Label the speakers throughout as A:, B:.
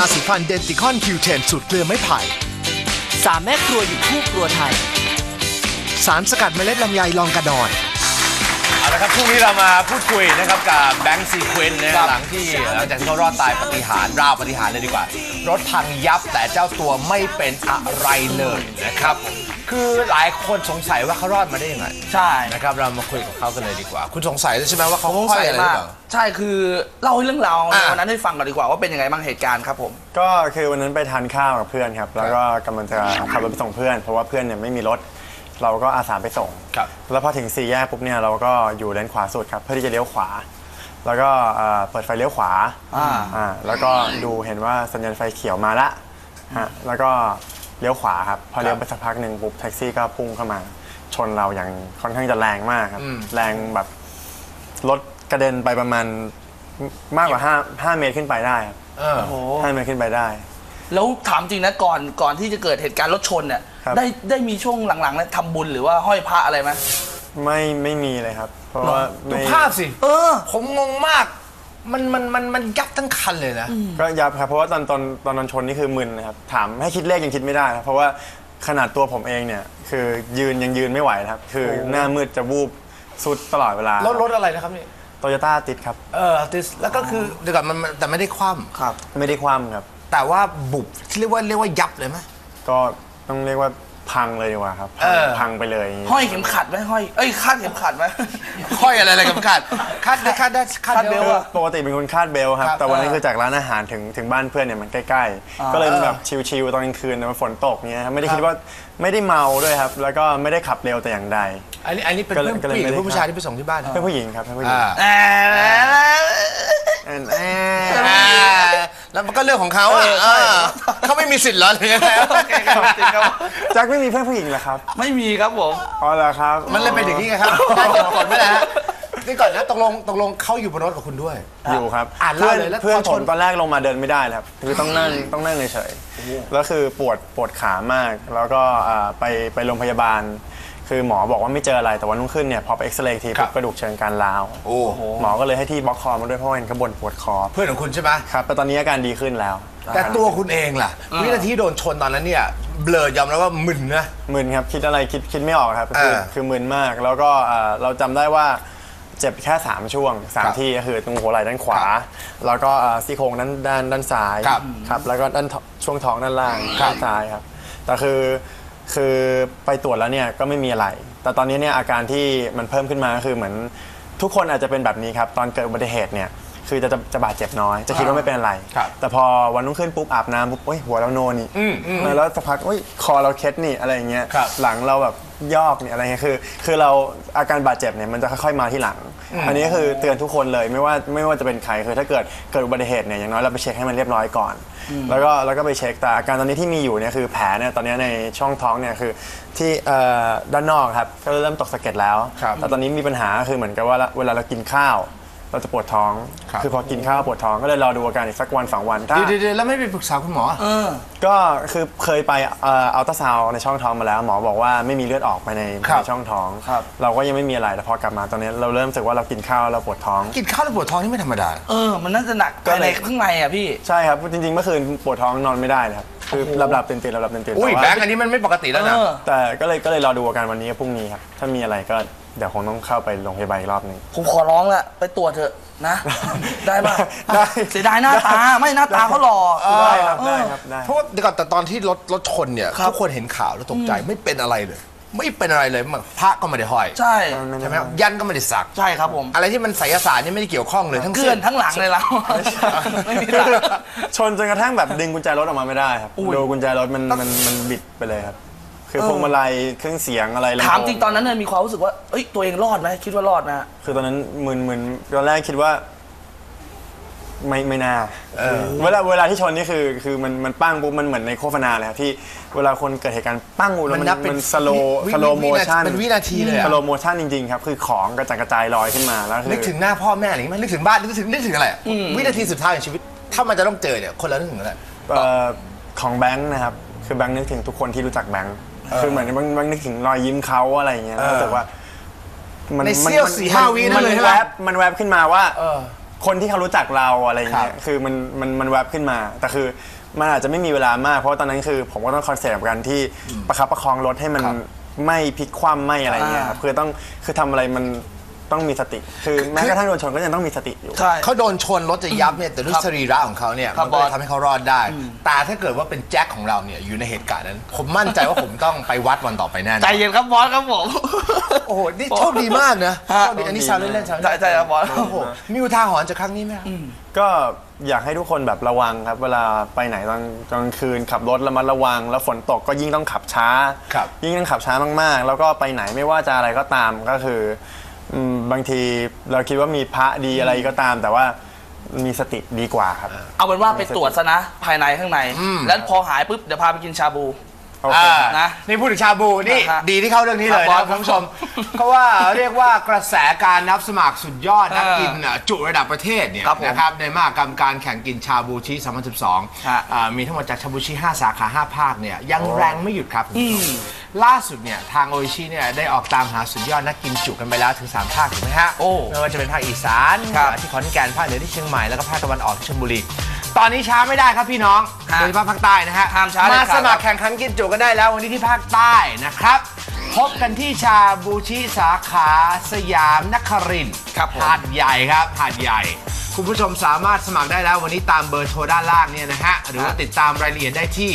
A: สีฟันเดนติคอนคิวเทนสูตรเกลือไม้ไผ่
B: 3 แม่ครัวอยู่คู่ครัวไทย
A: สารสกัดเมล็ดลำไยลองกระดอน
C: เอาละครับพรุ่งนี้เรามาพูดคุยนะครับกับแบงค์ซีเควนต์นะหลังจากที่เขารอดตายปาฏิหาริย์ราวปาฏิหาริย์เลยดีกว่ารถพังยับแต่เจ้าตัวไม่เป็นอะไรเลยนะครับคือหลายคนสงสัยว่าเขารอดมาได้ยังไง
B: ใช่
C: นะครับเรามาคุยกับเขากันเลยดีกว่าคุณสงสัยใช่ไหมว่าเขาห้อยอะไรหรือเปล่า
B: ใช่คือเล่าเรื่องราววันนั้นให้ฟังก่อนดีกว่าว่าเป็นยังไงบ้างเหตุการณ์ครับผม
D: ก็คือวันนั้นไปทานข้าวกับเพื่อนครับแล้วก็กำลังจะขับรถไปส่งเพื่อนเพราะว่าเพื่อนเนี่ยไม่มีรถเราก็อาสาไปส่งแล้วพอถึง4 แยกปุ๊บเนี่ยเราก็อยู่เลนขวาสุดครับเพื่อที่จะเลี้ยวขวาแล้วก็เปิดไฟเลี้ยวขวาแล้วก็ดูเห็นว่าสัญญาณไฟเขียวมาละแล้วก็เลี้ยวขวาครับพอเลี้ยวไปสักพักหนึ่งปุ๊บแท็กซี่ก็พุ่งเข้ามาชนเราอย่างค่อนข้างจะแรงมากครับแรงแบบรถกระเด็นไปประมาณมากกว่า5 เมตรขึ้นไปได้ครับ5 เมตรขึ้นไปได้
B: แล้วถามจริงนะก่อนที่จะเกิดเหตุการณ์รถชนเนี่ยได้มีช่วงหลังๆนั้นทำบุญหรือว่าห้อยพระอะไรไหม
D: ไม่มีเลยครับเพราะว่า
C: ดูภาพสิผมงงมากมันยับทั้งคันเลยนะ
D: ก็ยับครับเพราะว่าตอนชนนี่คือมึนนะครับถามให้คิดเลขยังคิดไม่ได้ครับเพราะว่าขนาดตัวผมเองเนี่ยคือยังยืนไม่ไหวครับคือหน้ามืดจะวูบสุดตลอดเวลาร
C: ถอะไรนะครับนี่
D: โตโยต้าติดครับ
C: ติดแล้วก็คือเดี๋ยวก่อนมันแต่ไม่ได้คว่ำ
D: ครับไม่ได้คว่ำครับ
C: แต่ว่าบุบเรียกว่ายับเลยไหม
D: ก็ต้องเรียกว่าพังเลยดีกว่าครับพังไปเลย
B: ห้อยเข็มขัดไหมห้อยคาดเข็มขัดไหม
C: ห้อยอะไรเข็มขัดคาดเบล
D: ปกติเป็นคนคาดเบลครับแต่วันนี้คือจากร้านอาหารถึงบ้านเพื่อนเนี่ยมันใกล้ๆก็เลยแบบชิลๆตอนกลางคืนมันฝนตกเงี้ยไม่ได้คิดว่าไม่ได้เมาด้วยครับแล้วก็ไม่ได้ขับเร็วแต่อย่างใด
C: อันนี้เป็นเพื่อนผู้หญิงหรือผู้ชายที่ไปส่งที่บ้าน
D: เพื่อนผู้หญิงครับเพื่อนผู้หญิง
C: แล้วมันก็เรื่องของเขาเขาไม่มีสิทธิ์หรอหรือไง
D: แจ็คไม่มีเพื่อนผู้หญิงเหรอครับ
B: ไม่มีครับผม
D: อ๋อเหรอครับ
C: มันเลยเป็นอย่างนี้ไงครับได้เก็บกดไม่ได้นี่ก่อนนะตกลงเขาอยู่บนรถกับคุณด้วย
D: อยู่ครับเพื่อนผมตอนแรกลงมาเดินไม่ได้ครับคือต้องนั่งเฉยๆแล้วคือปวดขามากแล้วก็ไปโรงพยาบาลคือหมอบอกว่าไม่เจออะไรแต่วันรุ่งขึ้นเนี่ยพอไปเอ็กซเรย์ทีกระดูกเชิงกรานร้าวหมอก็เลยให้ที่บล็อกคอมาด้วยเพราะเห็นขบวนปวดคอ
C: เพื่อนของคุณใช่ไหม
D: ครับแต่ตอนนี้อาการดีขึ้นแล้ว
C: แต่ตัวคุณเองล่ะวินาทีโดนชนตอนนั้นเนี่ยเบลอยอมแล้วว่ามึนนะ
D: มึนครับคิดอะไรคิดไม่ออกครับคือมึนมากแล้วก็เราจำได้ว่าเจ็บแค่3 ช่วง3 ที่ก็คือตรงหัวไหล่ด้านขวาแล้วก็ซี่โครงด้านซ้ายครับแล้วก็ด้านช่วงท้องด้านล่างด้านซ้ายครับแต่คือไปตรวจแล้วเนี่ยก็ไม่มีอะไรแต่ตอนนี้เนี่ยอาการที่มันเพิ่มขึ้นมาก็คือเหมือนทุกคนอาจจะเป็นแบบนี้ครับตอนเกิดอุบัติเหตุเนี่ยคือจะบาดเจ็บน้อยจะคิดว่าไม่เป็นอะไรแต่พอวันรุ่งขึ้นปุ๊บอาบน้ำปุ๊บหัวเราโนนี่แล้วสักพักคอเราเคล็ดนี่อะไรอย่างเงี้ยหลังเราแบบยอกนี่อะไรเงี้ยคือเราอาการบาดเจ็บเนี่ยมันจะค่อยๆมาที่หลังอันนี้คือเตือนทุกคนเลยไม่ว่าจะเป็นใครคือถ้าเกิดอุบัติเหตุเนี่ยอย่างน้อยเราไปเช็คให้มันเรียบร้อยก่อนแล้วก็ไปเช็คแต่อาการตอนนี้ที่มีอยู่เนี่ยคือแผลเนี่ยตอนนี้ในช่องท้องเนี่ยคือที่ด้านนอกครับก็เริ่มตกสะเก็ดแล้วแต่ตอนนี้มีปัญหาคือเหมือนกับว่าเวลาเรากินข้าวเราจะปวดท้องคือพอกินข้าวปวดท้องก็เลยรอดูอาการอีกสักวัน2 วัน
C: เดี๋ยวแล้วไม่ไปปรึกษาคุณหมอ
D: ก็คือเคยไปอัลตราซาวน์ในช่องท้องมาแล้วหมอบอกว่าไม่มีเลือดออกไปในช่องท้องเราก็ยังไม่มีอะไรแต่พอกลับมาตอนนี้เราเริ่มรู้สึกว่าเรากินข้าวเราปวดท้อง
C: กินข้าวแล้วปวดท้องนี่ไม่ธรรมดา
B: มันน่าจะหนักในข้างในอ่ะพี่
D: ใช่ครับจริงๆเมื่อคืนปวดท้องนอนไม่ได้เลยครับคือหลับตื่น
C: อุ้ยแบงค์อันนี้มันไม่ปกติแล้วนะ
D: แต่ก็เลยรอดูอาการวันนี้กับพรุ่งนี้ครับถ้ามีอะไรก็เดี๋ยวคงต้องเข้าไปโรงพยาบาลอีกรอบนึง
B: ผมขอร้องละไปตรวจเถอะนะได้ป่ะได้เสียดายหน้าตาไม่หน้าตาเขาหล่อ
D: ได้ครับได้
C: เพราะว่าเดี๋ยวก่อนแต่ตอนที่รถชนเนี่ยทุกคนเห็นข่าวแล้วตกใจไม่เป็นอะไรเลยไม่เป็นอะไรเลยพระก็ไม่ได้ห้อย
B: ใช่
C: ไหมยันก็ไม่ได้สัก
B: ใช่ครับผม
C: อะไรที่มันไสยศาสตร์นี่ไม่ได้เกี่ยวข้องเลยทั้ง
B: เกลื่อนทั้งหลังเลยแล้วไม่มี
D: ชนจนกระทั่งแบบดึงกุญแจรถออกมาไม่ได้ครับดูกุญแจรถมันบิดไปเลยครับคือพวงมาลัยเครื่องเสียงอะไร
B: ถามจริงตอนนั้นเนี่ยมีความรู้สึกว่าตัวเองรอดไหมคิดว่ารอดไหม
D: คือตอนนั้นมึนตอนแรกคิดว่าไม่น่าเวลาที่ชนนี่คือมันปั้งปุ๊บมันเหมือนในโฆษณาเลยครับที่เวลาคนเกิดเหตุการณ์ปั้งแล้วมันสโลโมชั่น
C: เป็นวินาทีเลย
D: สโลโมชั่นจริงๆครับคือของกระจายลอยขึ้นมาแล้ว
C: นึกถึงหน้าพ่อแม่อะไรมั้ยนึกถึงบ้านนึกถึงอะไรวินาทีสุดท้ายของชีวิตถ้ามันจะต้องเจอเนี่ยคนละนึกถึงอะไร
D: ของแบงค์นะครับคือแบงค์นึกถึงทุกคนที่รู้จักแบงค์คือเหมือนบางนึกถึงรอยยิ้มเขาอะไรอย่างเงี้ยรู้สึกว่า
C: ในเสี้ยว4-5 วินั่นเลยใช่ไหม
D: มันแวบขึ้นมาว่าคนที่เขารู้จักเราอะไรอย่างเงี้ยคือมันแวบขึ้นมาแต่คือมันอาจจะไม่มีเวลามากเพราะตอนนั้นคือผมก็ต้องคอนเซ็ปต์กับการที่ประคับประคองรถให้มันไม่พลิกคว่ำไม่อะไรเงี้ยครับคือทำอะไรมันต้องมีสติคือแม้กระทั่งโดนชนก็ยังต้องมีสติอยู่
C: เขาโดนชนรถจะยับเนี่ยแต่ด้วยสรีระของเขาเนี่ยมันก็เลยทำให้เขารอดได้แต่ถ้าเกิดว่าเป็นแจ็คของเราเนี่ยอยู่ในเหตุการณ์นั้นผมมั่นใจว่าผมต้องไปวัดวันต่อไปแน่
B: ใจเย็นครับบอสครับผม
C: โอ้โหนี่โชคดีมากนะโชคดีอันนี้ชาวเล่นๆชาว
B: ใจครับบอส
C: โอ้โหมีอุทาหรณ์จากครั้งนี้ไหม
D: ก็อยากให้ทุกคนแบบระวังครับเวลาไปไหนตอนกลางคืนขับรถระมัดระวังแล้วฝนตกก็ยิ่งต้องขับช้ายิ่งต้องขับช้ามากๆแล้วก็ไปไหนไม่ว่าจะอะไรก็ตามก็คือบางทีเราคิดว่ามีพระดีอะไรก็ตามแต่ว่ามีสติดีกว่าครับ
B: เอาเป็นว่าไปตรวจซะนะภายในข้างในแล้วพอหายปุ๊บเดี๋ยวพาไปกินชาบู
C: นะนี่พูดถึงชาบูนี่ดีที่เข้าเรื่องนี้เลยนะคุณผู้ชมเพราะว่าเรียกว่ากระแสการนับสมัครสุดยอดนักกินจุระดับประเทศเนี่ยนะครับในมหกรรมการแข่งกินชาบูชิ2012มีทั้งหมดจากชาบูชิ5 สาขา5 ภาคเนี่ยยังแรงไม่หยุดครับล่าสุดเนี่ยทางโออิชิเนี่ยได้ออกตามหาสุดยอดนักกินจุกันไปแล้วถึง3 ภาคถูกไหมฮะไม่ว่าจะเป็นภาคอีสานที่ขอนแก่นภาคเหนือที่เชียงใหม่แล้วก็ภาคตะวันออกที่ชลบุรีตอนนี้ช้าไม่ได้ครับพี่น้องโดยเฉพาะภาคใต้นะฮะมาสมัครแข่งขันกินจุกันได้แล้ววันนี้ที่ภาคใต้นะครับพบกันที่ชาบูชิสาขาสยามนครินทร์หาดใหญ่ครับหาดใหญ่คุณผู้ชมสามารถสมัครได้แล้ววันนี้ตามเบอร์โทรด้านล่างเนี่ยนะฮะหรือว่าติดตามรายละเอียดได้ที่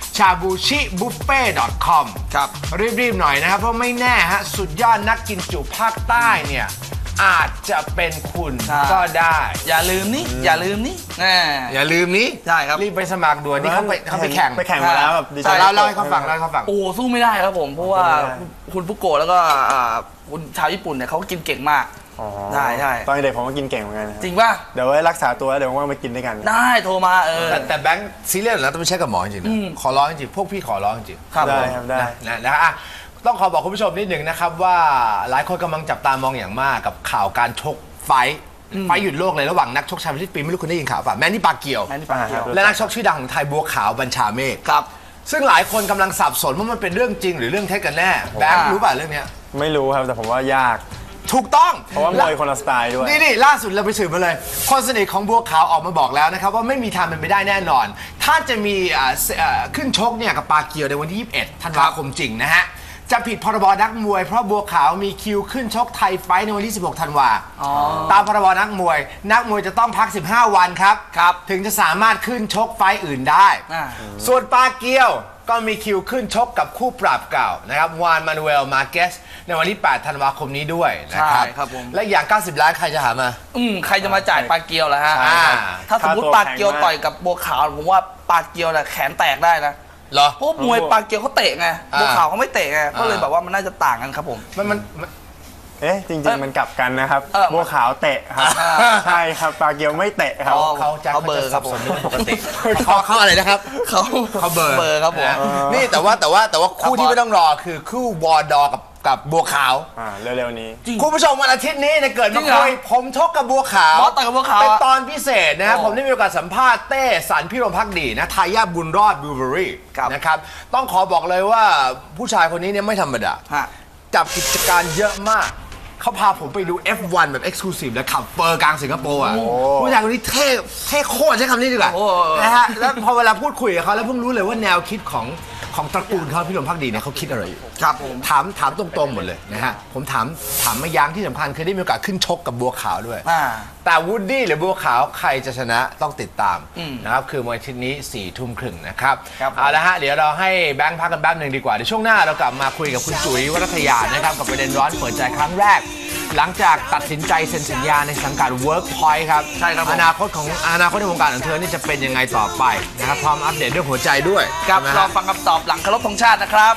C: shabuchibuffet.com ครับรีบๆหน่อยนะครับเพราะไม่แน่ฮะสุดยอดนักกินจุภาคใต้เนี่ยอาจจะเป็นคุณก็ได้
B: อย่าลืมนี่อย่าลืมนี่
C: อย่าลืมนี้
B: ใช่ครับ
C: รีบไปสมัครด่วนนี่เขาไปแข่ง
D: มาแล้วแบบ
C: เล่าให้เขาฟัง
B: โอ้สู้ไม่ได้ครับผมเพราะว่าคุณฟุโกะแล้วก็คุณชาวญี่ปุ่นเนี่ยเขากินเก่งมากใช่
D: ตอนเด็กผมก็กินเก่งเหมือนกัน
B: จริงป่ะ
D: เดี๋ยวไว้รักษาตัวเดี๋ยวว่างไปกินด้วยกัน
B: ได้โทรมา
C: แต่แบงค์ซีเรียสแล้วต้องไปเช็คกับหมอจริงๆขอร้องจริงพวกพี่ขอร้องจริง
D: ได้ครับได้
C: นะต้องขอบอกคุณผู้ชมนิดหนึ่งนะครับว่าหลายคนกำลังจับตามองอย่างมากกับข่าวการชกไฟหยุดโลกเลยระหว่างนักชกชายประเทศปีไม่รู้คุณได้ยินข่าวป่ะแมนนี่ปาเกียวและนักชกชื่อดังของไทยบัวขาวบัญชาเมฆ
B: ครับ
C: ซึ่งหลายคนกำลังสับสนว่ามันเป็นเรื่องจริงหรือเรื่องเท็จกันแน่แบงค์รู้ป่ะเรื่องนี้
D: ไม่รู้ครับแต่ผมว่ายาก
C: ถูกต้อง
D: เพราะว่ามวยคนละสไตล์ด้วย
C: นี่ล่าสุดเราไปสืบมาเลยคนสนิทของบัวขาวออกมาบอกแล้วนะครับว่าไม่มีทางเป็นไปได้แน่นอนถ้าจะมีขึ้นชกเนี่ยกับปาเกียวในวันที่21 ธันวาคมจริงนะฮะจะผิดพรบนักมวยเพราะบัวขาวมีคิวขึ้นชกไทยไฟท์ในวันที่16 ธันวาตามพรบนักมวยจะต้องพัก15 วันครับถึงจะสามารถขึ้นชกไฟท์อื่นได้ส่วนปาเกียวก็มีคิวขึ้นชกกับคู่ปรับเก่านะครับวานมานูเอลมาเกสในวันที่8 ธันวาคมนี้ด้วยนะครับและอย่าง90 ล้านใครจะหามา
B: ใครจะมาจ่ายปาเกียวล่ะฮะถ้าสมมติปาเกียวต่อยกับบัวขาวผมว่าปาเกียวน่ะแขนแตกได้นะเพราะมวยปาเกียวเขาเตะไงบัวขาวเขาไม่เตะไงก็เลยแบบว่ามันน่าจะต่างกันครับผม
C: มัน
D: จริงๆมันกลับกันนะครับบัวขาวเตะครับใช่ครับปาเกียวไม่เตะครับ
C: เขาเบอร์ครับผมปกติเขาอะไรนะครับเขาเบอร์
B: ครับผม
C: นี่แต่ว่าคู่ที่ไม่ต้องรอคือคู่วอร์ดอกับบัวขาว
D: เร็วๆนี้
C: คุณผู้ชมวันอาทิตย์นี้เกิดมาคุยผมชกกับบัวขาวเป็นตอนพิเศษนะครับผมได้มีโอกาสสัมภาษณ์เต้สันพิรมภักดีนะทายาทบุญรอดบิวเบอรี่นะครับต้องขอบอกเลยว่าผู้ชายคนนี้เนี่ยไม่ธรรมดาจับกิจการเยอะมากเขาพาผมไปดู F1 แบบ Exclusive และขับเฟอร์กลางสิงคโปร์ผู้ชายคนนี้เท่โคตรใช้คำนี้ดีกว่านะฮะแล้วพอเวลาพูดคุยกับเขาแล้วเพิ่งรู้เลยว่าแนวคิดของตระกูลเขาพี่หลวงพักดีเนี่ยเขาคิดอะไรอยู่
B: ครับผม
C: ถามตรงๆหมดเลยนะฮะผมถามมายังที่สำคัญเคยได้มีโอกาสขึ้นชกกับบัวขาวด้วยแต่วูดดี้หรือบัวขาวใครจะชนะต้องติดตามนะครับคือวันอาทิตย์นี้ 22:30 นะครับเอาละฮะเดี๋ยวเราให้แบงค์พักกันแป๊บหนึ่งดีกว่าเดี๋ยวช่วงหน้าเรากลับมาคุยกับคุณจุ๋ยวรัตยานะครับกับประเด็นร้อนเปิดใจครั้งแรกหลังจากตัดสินใจเซ็นสัญญาในสังกัด Workpoint ครับ
B: ใช่ครับ
C: อนาคตในวงการของเธอนี่จะเป็นยังไงต่อไปนะครับพร้อมอัปเดตเรื่องหัวใจด้วย
B: ครับรอฟังคำตอบหลังเคารพธงชาตินะครับ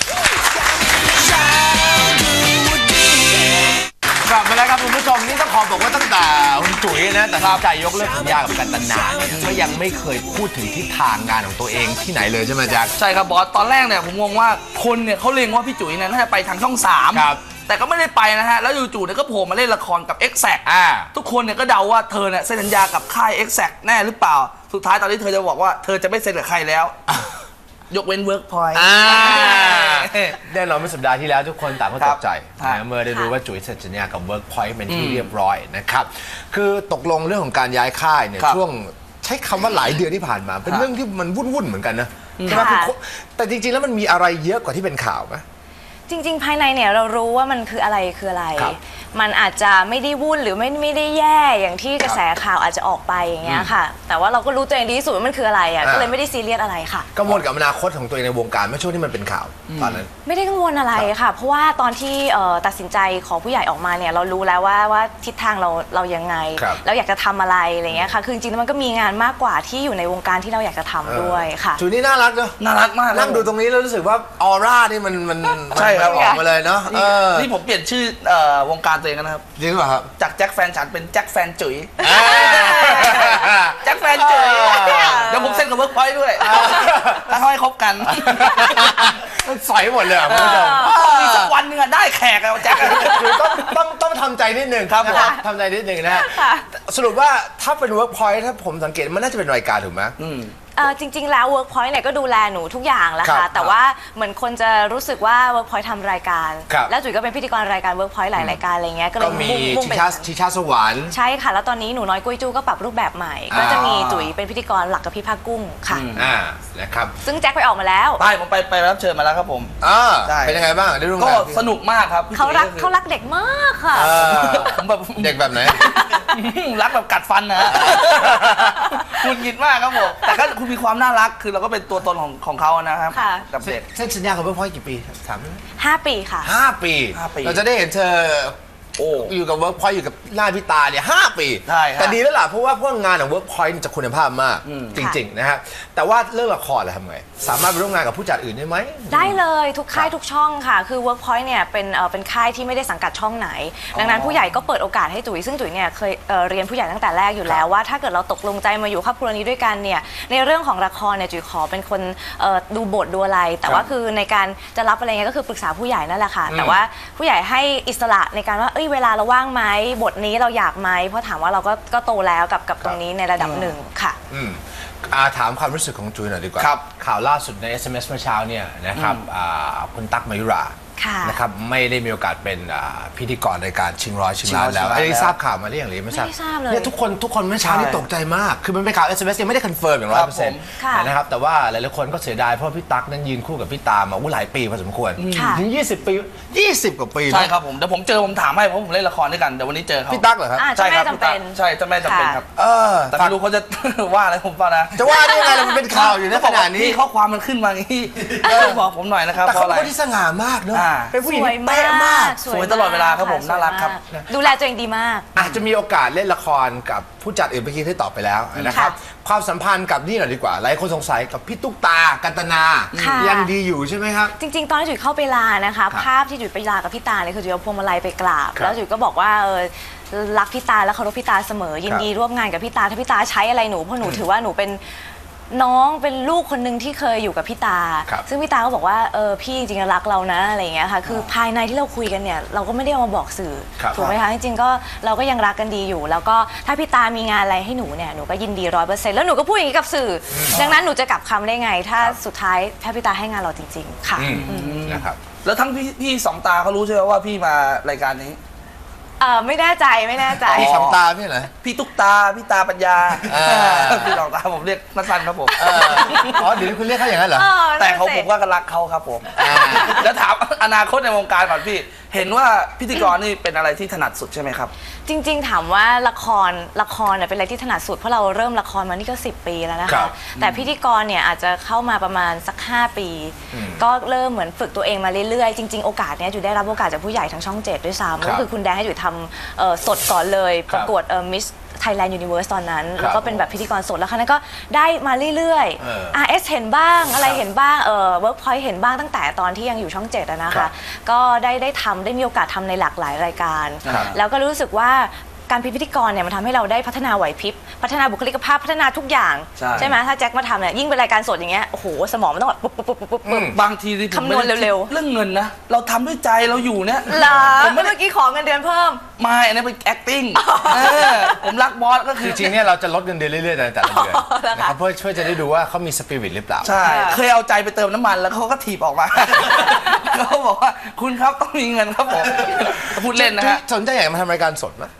C: กลับมาแล้วครับคุณผู้ชมนี่ต้องขอบอกว่าตั้งแต่คุณจุ๋ยนะแต่ใจยกเลิกสัญญากับกันตนาก็ยังไม่เคยพูดถึงทิศทางงานของตัวเองที่ไหนเลยใช่ไหมจ๊ะ
B: ใช่ครับบอสตอนแรกเนี่ยผมงงว่าคนเนี่ยเขาเล็งว่าพี่จุ๋ยเนี่ยน่าจะไปทางช่อง3
C: ครับ
B: แต่ก็ไม่ได้ไปนะฮะแล้วจู่ๆเนี่ยก็โผล่มาเล่นละครกับ Exact ทุกคนเนี่ยก็เดาว่าเธอเนี่ยเซ็นสัญญากับค่าย Exact แน่หรือเปล่าสุดท้ายตอนนี้เธอจะบอกว่าเธอจะไม่เซ็นกับใครแล้วยกเว้นเวิร์กพอยต์
C: แน่นอนเมื่อสัปดาห์ที่แล้วทุกคนต่างก็ตกใจ
B: ครับ
C: นะเมื่อได้รู้ว่าจุ๋ยเซ็นสัญญากับ Workpoint เป็นที่เรียบร้อยนะครับคือตกลงเรื่องของการย้ายค่ายเนี่ย
B: ครับ
C: ช่วงใช้คำว่าหลายเดือนที่ผ่านมา เป็น
B: ครับ
C: เรื่องที่มันวุ่นๆเหมือนกันนะใช่ไหมคือแต่จริงๆแล้วมันมีอะไรเยอะกว่าที่เป็นข่าวไหม
E: จริงๆ ภายในเนี่ยเรารู้ว่ามันคืออะไร
C: ครับ
E: มันอาจจะไม่ได้วุ่นหรือไม่ได้แย่อย่างที่กระแสข่าวอาจจะออกไปอย่างเงี้ยค่ะ แต่ว่าเราก็รู้ตัวเองดีที่สุดว่ามันคืออะไรอ่ะ ก็เลยไม่ได้ซีเรียสอะไรค่ะ
C: กังวลกับอนาคตของตัวเองในวงการเมื่อช่วงที่มันเป็นข่าวตอนนั้น
E: ไม่ได้กังวลอะไรค่ะ เพราะว่าตอนที่ตัดสินใจของผู้ใหญ่ออกมาเนี่ยเรารู้แล้วว่าทิศทางเรายังไง
C: ครับ
E: เราอยากจะทำอะไรอะไรเงี้ยค่ะ คือจริงๆแล้วมันก็มีงานมากกว่าที่อยู่ในวงการที่เราอยากจะทำด้วยค่ะ
C: จุ๋ยนี่น่ารักเนอะ
B: น่ารักมาก
C: นั่งดูตรงนี้แล้วรู้สึกว่าออร่านี่มัน
B: ใช่ครับ
C: ออกมาเลยเนาะ
B: นี่ผมเปลี่ยนชื่อวงการตัวเองแล้วนะครับ
C: จริงหรือเปล่าครับ
B: จากแจ็คแฟนฉันเป็นแจ็คแฟนจุ๋ย
C: อ่า
B: แจ็คแฟนจุ๋ย
C: อ่า
B: เดี๋ยวผมเซ็นกับเวิร์กพอยต์ด้วยถ้าเขาให้คบกัน
C: มันสอยหมดเลยอ่ะคุณผู้ชม
B: มีสักวันหนึงอะได้แขกอะแจ็คอะ
C: คือต้องทำใจนิดหนึ่ง
B: ครับผม
C: นะทำใจนิดหนึ่งนะฮะ
E: ค่ะ
C: สรุปว่าถ้าเป็น Workpoint ถ้าผมสังเกตมันน่าจะเป็นรายการถูกไหม
E: จริงๆ แล้ว Workpoint เนี่ยก็ดูแลหนูทุกอย่างแหละ
C: ครั
E: ค่ะ
C: บ
E: แต่ว่าเหมือนคนจะรู้สึกว่า Workpoint ทำรายการ
C: ครับ
E: แล้วจุ๋ยก็เป็นพิธีกรรายการ Workpoint หลายรายการอะไรเงี้ย ก็เล
C: ก็
E: ย
C: มี
E: มุ่ง
C: ชิ
E: ไป
C: ชาชิชาสวรรค์
E: ใช่ค่ะ แล้วตอนนี้หนูน้อยกุ้ยจู้ก็ปรับรูปแบบใหม่ ก็จะมีจุ๋ยเป็นพิธีกรหลักกับพี่ภาคกุ้งค่ะ
C: นะครับ
E: ซึ่งแจ็คไปออกมาแล้ว
B: ไปผมไปรับเชิญมาแล้วครับผม ใช่
C: เป็นยังไงบ้างได้ร่วม
B: ก็
C: งาน
B: สนุกมากครับพี่
E: เขารัก
B: จุ๋ย
E: เขารักเด็กมากค่ะ
B: ผมแบบ
C: เด็กแบบไหน
B: รักแบบกัดฟันนะฮะคุณกินมากครับผมแต่ก็คุณมีความน่ารักคือเราก็เป็นตัวตนของเขานะครับ
E: ค่ะ
B: กับเด็ก
C: เส้นสัญญากับ Workpoint กี่ปีถามได้ไหม
E: 5 ปีค่ะ
C: 5 ปี
B: 5 ปี
C: เราจะได้เห็นเธอ
B: โอ้
C: อยู่กับ Workpoint อยู่กับหน้าพี่ตาเนี่ย5 ปี
B: ใช่ครับ
C: แต่ดีแล้วล่ะเพราะว่าพวกงานของ Workpoint จะคุณภาพมากจริงๆนะฮะแต่ว่าเรื่องละครล่ะทำไงสามารถไปร่วมงานกับผู้จัดอื่นได้ไหม
E: ได้เลยทุกค่ายทุกช่องค่ะ คือ Workpoint เนี่ยเป็นค่ายที่ไม่ได้สังกัดช่องไหน ดังนั้นผู้ใหญ่ก็เปิดโอกาสให้จุ๋ยซึ่งจุ๋ยเนี่ยเคยเรียนผู้ใหญ่ตั้งแต่แรกอยู่แล้วว่าถ้าเกิดเราตกลงใจมาอยู่ครอบครัวนี้ด้วยกันเนี่ยในเรื่องของละครเนี่ยจุ๋ยขอเป็นคนดูบทดูอะไร แต่ว่าคือในการจะรับอะไรเงี้ยก็คือปรึกษาผู้ใหญ่นั่นแหละค่ะแต่ว่าผู้ใหญ่ให้อิสระในการว่าเวลาเราว่างไหมบทนี้เราอยากไหมเพราะถามว่าเราก็โตแล้วกับตรงนี้ในระดับหนึ่งค่ะ
C: ถามความรู้สึกของจุยหน่อยดีกว่า
B: ครับ
C: ข่าวล่าสุดใน SMS เมื่อเช้าเนี่ยนะครับคุณตั๊กมายุรา
E: ค่ะ
C: นะครับไม่ได้มีโอกาสเป็นพิธีกรรายการชิงร้อยชิงล้านแล้ว
B: ชิงร้อยชิงล้าน
C: ไอ้ทราบข่าวมาหรือยังหรือไม่ทราบ
E: ไม่ทราบเลย
C: เนี่ยทุกคนเมื่อเช้านี่ตกใจมาก คือมันเป็นข่าว SMS ยังไม่ได้คอนเฟิร์มอย่าง
B: ครับผม
C: 100%
E: ค่ะ
C: นะครับแต่ว่าหลายๆคนก็เสียดายเพราะพี่ตั๊กนั้นยืนคู่กับพี่ตามาหลายปีพอสมควร
E: ค่ะ
C: ถึง20 ปี 20 กว่าปีนะ
B: ใช่ครับผมเดี๋ยวผมเจอผมถามให้เพราะผมเล่นละครด้วยกันเดี๋ยววันนี้เจอเขา
C: พี่ตั๊กเหรอครับ
E: เจ้าแม่จำเป็น
B: ใช่เจ้าแม่จำเป็นครับ แต่ไม่รู้เขาจะ ว่าอะไรผมเปล่านะ
C: จะว่าได้ยังไงล่ะมันเป็นข่าวอยู่ในขณะนี้
B: ข้อความมันขึ้นมาอย่างนี้บอกผมหน่อยนะครับ
C: แต่
B: เพ
C: เขา
B: ราะอะไร
C: เป็นคนที่สง่ามากเนอะ
B: อ่า
C: เป็นผู้หญิง
E: สวย
C: ที่
E: มา
C: เป๊ะมาก
E: ก
B: สวยตลอดเวลาครับผม
E: สวย
B: น่ารักครับ
E: มดูแลตัวเองดีมาก
C: อาจจะมีโอกาสเล่นละครกับผู้จัดอื่นเมื่อกี้ที่ตอบไปแล้วนะครับความสัมพันธ์กับนี่หน่อยดีกว่าหลายคนสงสัยกับพี่ตุ๊กตากันตนา
E: ค่ะ
C: ยังดีอยู่ใช่ไหมครับ
E: จริงๆ ตอนที่จุ๋ยเข้าไปลานะคะ ภาพที่จุ๋ยไปลากับพี่ตาเนี่ยคือจุ๋ยเอาพวงมาลัยไปกราบ
C: ครับ
E: แล้วจุ๋ยก็บอกว่ารักพี่ตาและเคารพพี่ตาเสมอ ยินดีร่วมงานกับพี่ตาถ้าพี่ตาใช้อะไรหนูเพราะหนูถือว่าหนูเป็นน้องเป็นลูกคนหนึ่งที่เคยอยู่กับพี่ตา
C: ครับ
E: ซึ่งพี่ตาก็บอกว่าพี่จริงๆรักเรานะอะไรอย่างเงี้ยค่ะคือภายในที่เราคุยกันเนี่ยเราก็ไม่ได้เอามาบอกสื่อ
C: ครับ
E: ถูกไหมคะจริงๆก็เราก็ยังรักกันดีอยู่ แล้วก็ถ้าพี่ตามีงานอะไรให้หนูเนี่ยหนูก็ยินดี100%แล้วหนูก็พูดอย่างนี้กับสื่อดังนั้นหนูจะกลับคำได้ไง ถ้าสุดท้ายถ้าพี่ตาให้งานเราจริง ๆ ค่ะ
C: นะครับ
B: แล้วทั้งพี่สองตาเขารู้ใช่ไหมว่าพี่มารายการนี้
E: ไม่แน่ใจไม่แน่ใจ
C: พี่สองตาพี่เหรอ
B: พี่ตุ๊กตาพี่ตาปัญญา
C: อ่า
B: พี่สองตาผมเรียกสั้นๆครับผม
C: อ๋อเดี๋ยวนี้คุณเรียกเขาอย่างนั้นเหรอ
B: แต่เขาผมว่าก็รักเขาครับผมแล้วถามอนาคตในวงการก่อนพี่ เห็นว่าพิธีกรนี่เป็นอะไรที่ถนัดสุดใช่ไหมครับ
E: จริงๆถามว่าละครเนี่ยเป็นอะไรที่ถนัดสุดเพราะเราเริ่มละครมานี่ก็10 ปีแล้วนะ
C: ครั
E: คะ
C: บ
E: แต่พิธีกรเนี่ยอาจจะเข้ามาประมาณสัก5 ปี ก็เริ่มเหมือนฝึกตัวเองมาเรื่อยๆจริงๆโอกาสเนี้ยจุ๋ยได้รับโอกาสจากผู้ใหญ่ทางช่อง 7 ด้วยซ้ำก็คือคุณแดงให้จุ๋ยทำสดก่อนเลยประกวดมิสThailand Universe ตอนนั้น แล้วก็เป็นแบบพิธีกรสดแล้วครั้งนั้นก็ได้มาเรื่อยๆ RS เห็นบ้างอะไรเห็นบ้างWorkpoint เห็นบ้างตั้งแต่ตอนที่ยังอยู่ช่อง 7อะนะคะก็ได้ทำได้มีโอกาสทำในหลากหลายรายการ แล้วก็รู้สึกว่าการเป็นพิธีกรเนี่ยมันทำให้เราได้พัฒนาไหวพริบพัฒนาบุคลิกภาพพัฒนาทุกอย่างใช่ไหมถ้าแจ็คมาทำเนี่ยยิ่งเป็นรายการสดอย่างเงี้ยโอ้โหสมองมันต้องแบบปุ๊บปุ๊บปุ๊บปุ๊บบ
B: างทีที่ผม
E: คำนวณเร็วๆ
B: เรื่องเงินนะเราทำด้วยใจเราอยู่เนี่ย
E: เหรอ
B: ผมไม่
E: เมื่อกี้ขอเงินเดือนเพิ่ม
B: ไม่อันนี้เป็น acting ผมรักบอสก็คือ
C: จริงๆเนี่ยเราจะลดเงินเดือนเรื่อยๆแต่ละเดือนนะครับเพื่อจะได้ดูว่าเขามีสปิริตหรือเปล่า
B: ใช่เคยเอาใจไปเติมน้ำมันแล้วเขาก็ถีบออกมา เขาบอกว่าคุณครับต้องมีเงินครับผมพูดเล่นนะฮะ
C: สนใจอยากมาทำรายการสดไหม